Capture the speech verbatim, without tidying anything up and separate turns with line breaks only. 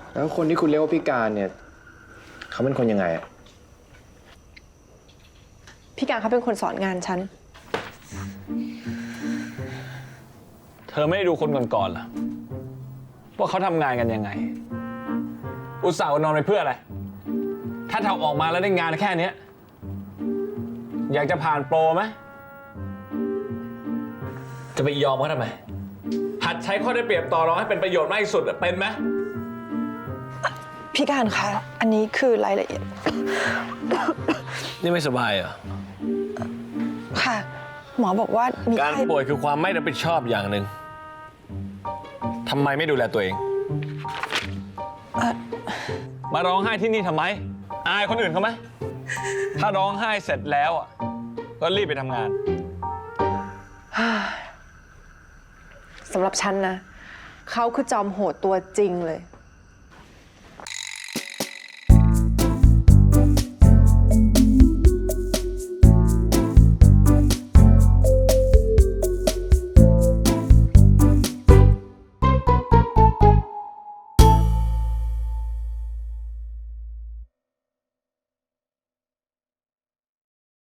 แล้วคนที่คุณเรียกว่าพิการเนี่ยเขาเป็นคนยังไงอะ
พี่การเขาเป็นคนสอนงานฉัน
เธอไม่ได้ดูคนก่อนๆเหรอว่าเขาทำงานกันยังไงอุตส่าห์นอนไปเพื่ออะไรถ้าทำออกมาแล้วได้งานแค่นี้อยากจะผ่านโปรไหมจะไปยอมเขาทำไมหัดใช้ข้อได้เปรียบต่อรองให้เป็นประโยชน์มากที่สุดเป็นไหม
พี่การคะอันนี้คือรายละเอียด
นี่ไม่สบายเหรอ
ค่ะหมอบอกว่ามี
การป่วยคือความไม่รับผิดชอบอย่างหนึ่งทำไมไม่ดูแลตัวเองมาร้องไห้ที่นี่ทำไมอายคนอื่นเขาไหมถ้าร้องไห้เสร็จแล้วอ่ะก็รีบไปทำงาน
สำหรับฉันนะเขาคือจอมโหดตัวจริงเลย